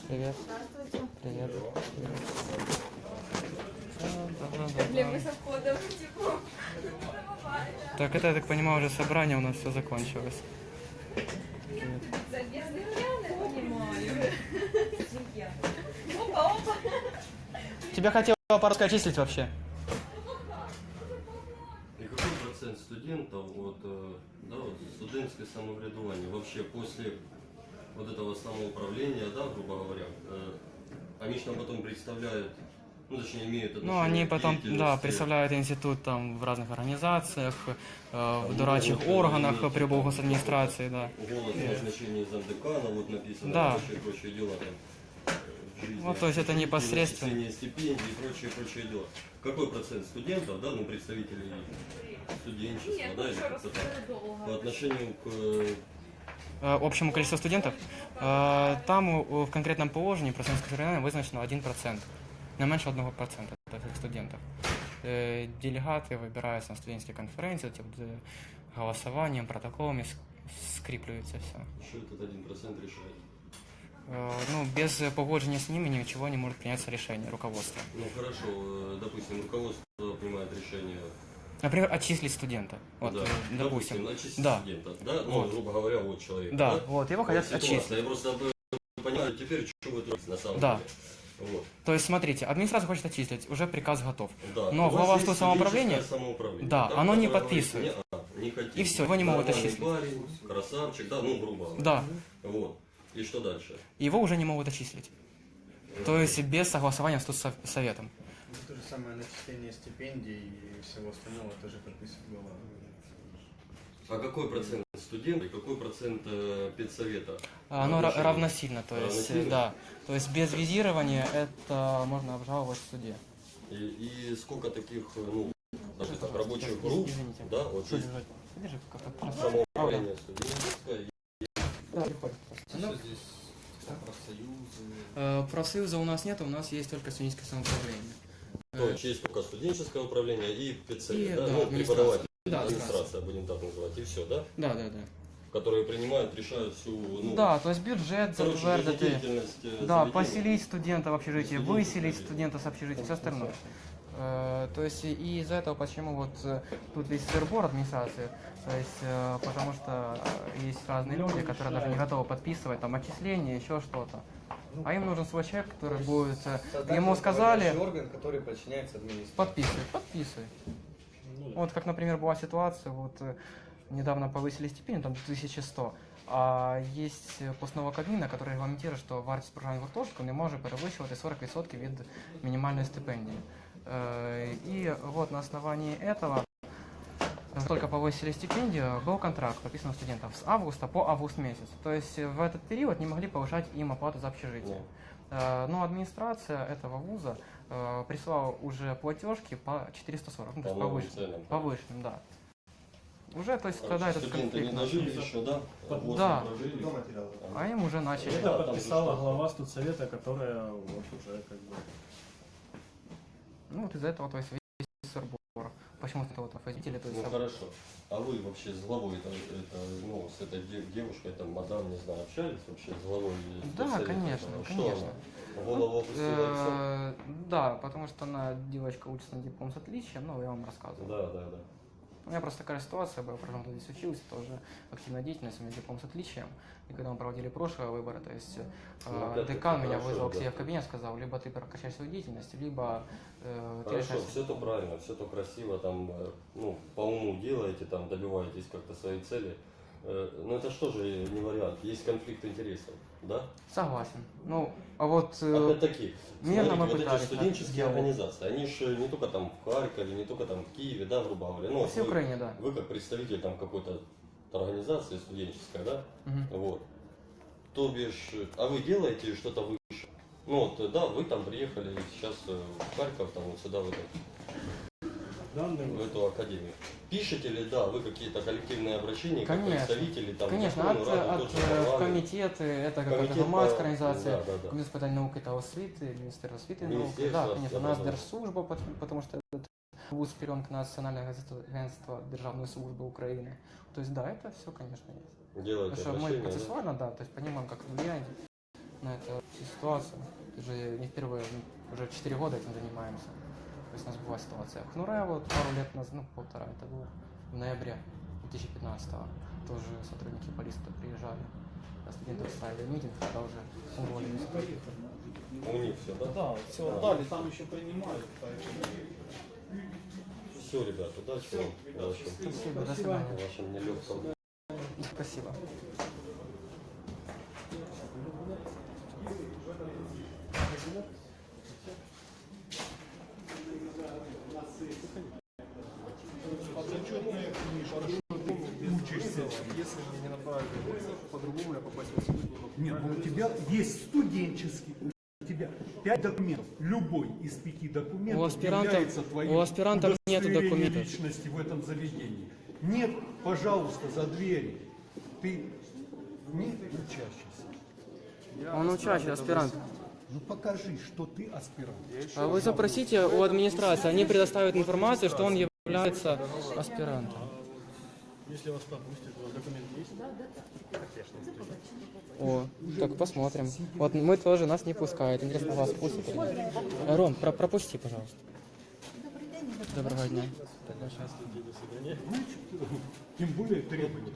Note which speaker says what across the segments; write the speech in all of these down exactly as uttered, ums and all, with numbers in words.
Speaker 1: Привет.
Speaker 2: Здравствуйте.
Speaker 1: Привет.
Speaker 2: Блин, мы со входом, типа,
Speaker 1: Так, это, я так понимаю, уже собрание у нас все закончилось.
Speaker 2: забезный я не понимаю. Опа, опа.
Speaker 1: Тебя хотела по-русски отчислить вообще?
Speaker 3: И какой процент студентов вот, э, да, вот, студенческое самоврядование вообще после вот этого самоуправления, да, грубо говоря, э, они же нам потом представляют, ну точнее имеют отношение
Speaker 1: Ну, они
Speaker 3: к
Speaker 1: потом, да,
Speaker 3: деятельности,
Speaker 1: представляют институт там в разных организациях, э, в
Speaker 3: могут,
Speaker 1: дурачьих
Speaker 3: э,
Speaker 1: органах
Speaker 3: иметь,
Speaker 1: при
Speaker 3: там,
Speaker 1: администрации, да.
Speaker 3: голос назначения замдекана, вот написано,
Speaker 1: Да.
Speaker 3: и прочие, прочие дела там. э, в жизни,
Speaker 1: Ну, то есть это
Speaker 3: общежития,
Speaker 1: непосредственно.
Speaker 3: начисление стипендий и прочие, прочие дела. Какой процент студентов, да, ну представителей студенчества,
Speaker 2: Нет,
Speaker 3: да,
Speaker 2: ну
Speaker 3: или
Speaker 2: что,
Speaker 3: как-то так,
Speaker 2: расскажи
Speaker 3: по
Speaker 2: долго.
Speaker 3: отношению к э,
Speaker 1: Э, Общему количеству студентов, э, там у- в конкретном положении процентского совершенствования вызначено один процент, не меньше одного процента таких студентов. Э, Делегаты выбираются на студенческой конференции, вот, э, голосованием, протоколами ск- скріплюється все.
Speaker 3: что этот один процент решает.
Speaker 1: Э, Ну, без э, погоджения с ними ничего не может приняться решение руководства.
Speaker 3: Ну хорошо, э, допустим, руководство принимает решение,
Speaker 1: Например, отчислить студента. Вот,
Speaker 3: да,
Speaker 1: э, допустим.
Speaker 3: отчислить
Speaker 1: Да.
Speaker 3: студента, да, ну,
Speaker 1: Вот.
Speaker 3: грубо говоря, вот человек,
Speaker 1: Да, вот, его хотят
Speaker 3: ситуация.
Speaker 1: отчислить.
Speaker 3: Я просто э, понимаю теперь, что вы творите на самом
Speaker 1: Да.
Speaker 3: деле. Вот.
Speaker 1: То есть, смотрите, администрация хочет отчислить, уже приказ готов.
Speaker 3: Да.
Speaker 1: Но
Speaker 3: У вас
Speaker 1: глава
Speaker 3: есть
Speaker 1: студенческого самоуправления,
Speaker 3: студенческое самоуправление,
Speaker 1: да, оно не
Speaker 3: которое
Speaker 1: подписывает.
Speaker 3: говорит, «Не, а, не хотим».
Speaker 1: И всё, его не могут
Speaker 3: Нормальный
Speaker 1: отчислить.
Speaker 3: парень, красавчик, да, ну, грубо говоря.
Speaker 1: Да,
Speaker 3: Вот. И что дальше?
Speaker 1: его уже не могут отчислить. То есть без согласования с студсоветом.
Speaker 4: Ну, то же самое начисление стипендий и всего остального тоже подписывает глава.
Speaker 3: А какой процент студентов и какой процент э, педсовета?
Speaker 1: Оно ра-
Speaker 3: Отношения?
Speaker 1: равносильно, то есть,
Speaker 3: Равносильно?
Speaker 1: э, да. То есть без визирования это можно обжаловать в суде.
Speaker 3: И, и сколько таких, э, ну, даже так, рабочих групп,
Speaker 1: Извините.
Speaker 3: да, вот
Speaker 1: Что
Speaker 3: есть
Speaker 1: держать? Держи, как это.
Speaker 3: самоуправление студенческое.
Speaker 1: Да, приходит.
Speaker 4: Что здесь профсоюзы?
Speaker 1: Э, Профсоюза у нас нет, у нас есть только студенческое самоуправление.
Speaker 3: То есть есть только студенческое управление и педсовет,
Speaker 1: И,
Speaker 3: да,
Speaker 1: да,
Speaker 3: ну,
Speaker 1: администрация.
Speaker 3: преподаватель,
Speaker 1: Да,
Speaker 3: администрация, будем так называть, и все, да?
Speaker 1: Да, да, да.
Speaker 3: Которые принимают, решают всю, ну,
Speaker 1: Да, то есть бюджет
Speaker 3: короче,
Speaker 1: затвердити.
Speaker 3: жизнедеятельность, э,
Speaker 1: Да,
Speaker 3: заведения.
Speaker 1: поселить студента в общежитии,
Speaker 3: Студентов
Speaker 1: выселить
Speaker 3: заведения.
Speaker 1: студента с общежития, все остальное. Э, То есть и из-за этого почему вот э, тут весь сырбор администрации, то есть э, потому что э, есть разные люди, которые даже не готовы подписывать там отчисления, еще что-то. А им нужен свой человек, который будет, э,
Speaker 4: Создать
Speaker 1: ему сказали,
Speaker 4: руководящий орган, который подчиняется администрации.
Speaker 1: подписывай, подписывай. Вот как, например, была ситуация, вот э, недавно повысили стипендию, там тысяча сто, а есть постанова Кабміна, который регламентирует, что вартість проживання гуртожитку не може перевищувати сорок відсотків від минимальной стипендии. Э, И вот на основании этого, как только повысили стипендию, был контракт подписан у студентов с августа по август месяц. То есть в этот период не могли повышать им оплату за общежитие. Э, Но администрация этого вуза э, прислала уже платежки по четыреста сорок, ну, то
Speaker 3: По
Speaker 1: есть
Speaker 3: новым
Speaker 1: повышенным,
Speaker 3: ценам.
Speaker 1: повышенным, да. Уже, то есть, тогда
Speaker 3: Короче,
Speaker 1: этот
Speaker 3: студенты
Speaker 1: конфликт
Speaker 3: не
Speaker 1: начался.
Speaker 3: дожили еще, да? Вот
Speaker 1: Да.
Speaker 3: прожили.
Speaker 4: До материала.
Speaker 1: А им уже начали.
Speaker 3: Да,
Speaker 5: Это
Speaker 3: там
Speaker 5: подписала
Speaker 3: же
Speaker 5: глава студсовета, которая вот уже как бы...
Speaker 1: Ну вот из-за этого, то есть, весь сырбор. Почему-то вот оппозители, то есть,
Speaker 3: Ну хорошо. А вы вообще с главой, это, это, ну, с этой дев- девушкой, там, мадам, не знаю, общались вообще с главой?
Speaker 1: Да,
Speaker 3: студсовета?
Speaker 1: конечно,
Speaker 3: Что
Speaker 1: конечно.
Speaker 3: она? Голову опустила и всё?
Speaker 1: Э, Да, потому что она, девочка, учится на диплом с отличием, ну, я вам рассказывал.
Speaker 3: Да, да, да.
Speaker 1: У меня просто такая ситуация была, потому что здесь учился, тоже активная деятельность, у меня диплом с отличием. И когда мы проводили прошлые выборы, то есть
Speaker 3: Ну,
Speaker 1: э,
Speaker 3: опять-таки,
Speaker 1: декан меня
Speaker 3: хорошо,
Speaker 1: вызвал к
Speaker 3: да.
Speaker 1: себе в кабинет, сказал, либо ты прокачаешь свою деятельность, либо э, ты
Speaker 3: Хорошо,
Speaker 1: решаешь.
Speaker 3: все это правильно, все это красиво, там, э, ну, по уму делаете, там, добиваетесь как-то своей цели. Э, Но это что же не вариант? Есть конфликт интересов, да?
Speaker 1: Согласен. Ну, а вот э,
Speaker 3: Опять-таки,
Speaker 1: мирно
Speaker 3: смотрите,
Speaker 1: мы
Speaker 3: вот эти
Speaker 1: пытались
Speaker 3: студенческие
Speaker 1: сделать.
Speaker 3: организации, они же не только там в Харькове, не только там в Киеве, да, грубо говоря. Ну,
Speaker 1: по
Speaker 3: вот
Speaker 1: всей
Speaker 3: вы,
Speaker 1: Украине, да.
Speaker 3: вы как представитель там какой-то организации студенческой, да,
Speaker 1: Мгм.
Speaker 3: вот. То бишь, а вы делаете что-то выше? Ну вот, да, вы там приехали сейчас э, в Харьков, там вот сюда, в, эту,
Speaker 5: Данные
Speaker 3: в эту академию. Пишете ли, да, вы какие-то коллективные обращения, как
Speaker 1: Конечно.
Speaker 3: представители там,
Speaker 1: Конечно,
Speaker 3: Верховную
Speaker 1: от,
Speaker 3: Раду,
Speaker 1: от
Speaker 3: тот же
Speaker 1: э, в
Speaker 3: парламент?
Speaker 1: комитеты, это какая-то
Speaker 3: Комитет
Speaker 1: громадская
Speaker 3: по-
Speaker 1: организация,
Speaker 3: да, да, да.
Speaker 1: Комитет питання науки та освіти, Міністерство освіти і науки,
Speaker 3: Міністерство,
Speaker 1: да, конечно,
Speaker 3: да,
Speaker 1: нас
Speaker 3: да, да.
Speaker 1: Держслужба, пот- потому что этот вуз вперен к Национальное агентство, агентство Державной службы Украины. То есть, да, это все, конечно, есть.
Speaker 3: Делаете
Speaker 1: Потому что мы
Speaker 3: обращения, да?
Speaker 1: процессуально, да, то есть понимаем, как влияние. на эту ситуацию. Это же не впервые, уже четыре года этим занимаемся. То есть у нас была ситуация в Хнуре вот пару лет назад, ну полтора, это было в ноябре две тысячи пятнадцатого. Тоже сотрудники полиции приезжали. А студенты ставили митинг, когда уже уволились.
Speaker 3: У них все, да?
Speaker 5: Да, все отдали, там еще принимают, поэтому...
Speaker 3: Все, ребята, удачи вам. Удачи.
Speaker 1: Спасибо, до свидания.
Speaker 3: Вашим нелегким.
Speaker 1: Спасибо.
Speaker 6: Учишься, если мне не направили вызов, по-другому я попасть в институт не могу. Нет, ну у тебя есть студенческий, у тебя пять документов. Любой из пяти документов
Speaker 1: У аспирантов-
Speaker 6: является твоим
Speaker 1: у аспирантов нету
Speaker 6: удостоверением
Speaker 1: документов.
Speaker 6: личности в этом заведении. Нет, пожалуйста, за дверью. Ты не учащийся.
Speaker 1: Он учащий, аспирант.
Speaker 6: Ну покажи, что ты аспирант.
Speaker 1: А вы запросите у администрации, они предоставят информацию, что он является аспирантом.
Speaker 5: Если вас пропустят, у вас документ есть?
Speaker 1: О, так посмотрим. Вот мы тоже, нас не пускают. Интересно, вас пустят? или нет? Э, Ром, про- пропусти, пожалуйста. Доброго дня.
Speaker 6: Тем более требования.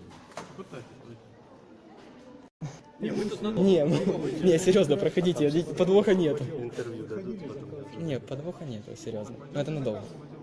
Speaker 1: Не, не, серьезно, проходите, подвоха нет.
Speaker 3: Интервью дадут потом.
Speaker 1: Не, подвоха нет, серьезно. Но это надолго.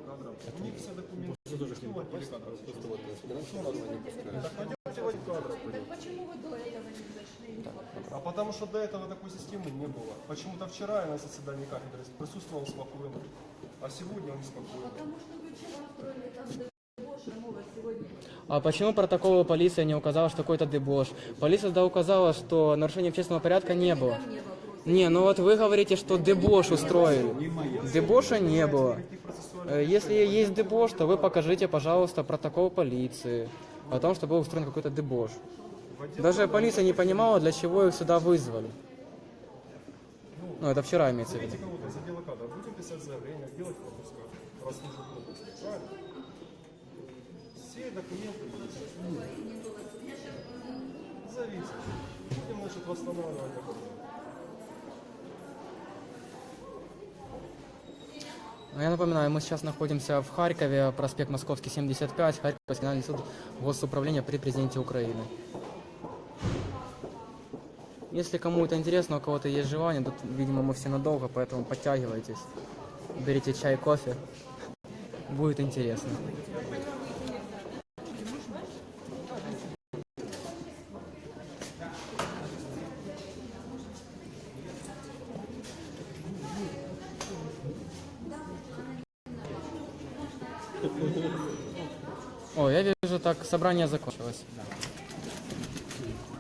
Speaker 2: Почему вы до этого не зашли?
Speaker 7: А потому что до этого такой системы не было. Почему-то вчера я на заседании кафедры присутствовал спокойно, а сегодня он спокойно.
Speaker 2: Потому что вы вчера устроили там дебош, а мы вас сегодня...
Speaker 1: А почему протоколы полиция не указала, что какой-то дебош? Полиция тогда указала, что нарушения общественного порядка не было. Не, ну вот вы говорите, что дебош устроили. Дебоша не было. Э, Если есть дебош, то вы покажите, пожалуйста, протокол полиции о том, что был устроен какой-то дебош. Даже полиция не понимала, для чего их сюда вызвали. Ну, это вчера имеется в виду.
Speaker 7: Знаете, кого-то из отдела кадров будем писать заявление, делать пропуска, раз нужен пропуск. Правильно? Все документы есть. Зависит. Будем, значит, восстанавливать документы.
Speaker 1: Ну, я напоминаю, мы сейчас находимся в Харькове, проспект Московский, семьдесят пять, Харьковский федеральный суд Госуправления при президенте Украины. Если кому это интересно, у кого-то есть желание, тут, видимо, мы все надолго, поэтому подтягивайтесь, берите чай, кофе, будет интересно. О, я вижу, так собрание закончилось.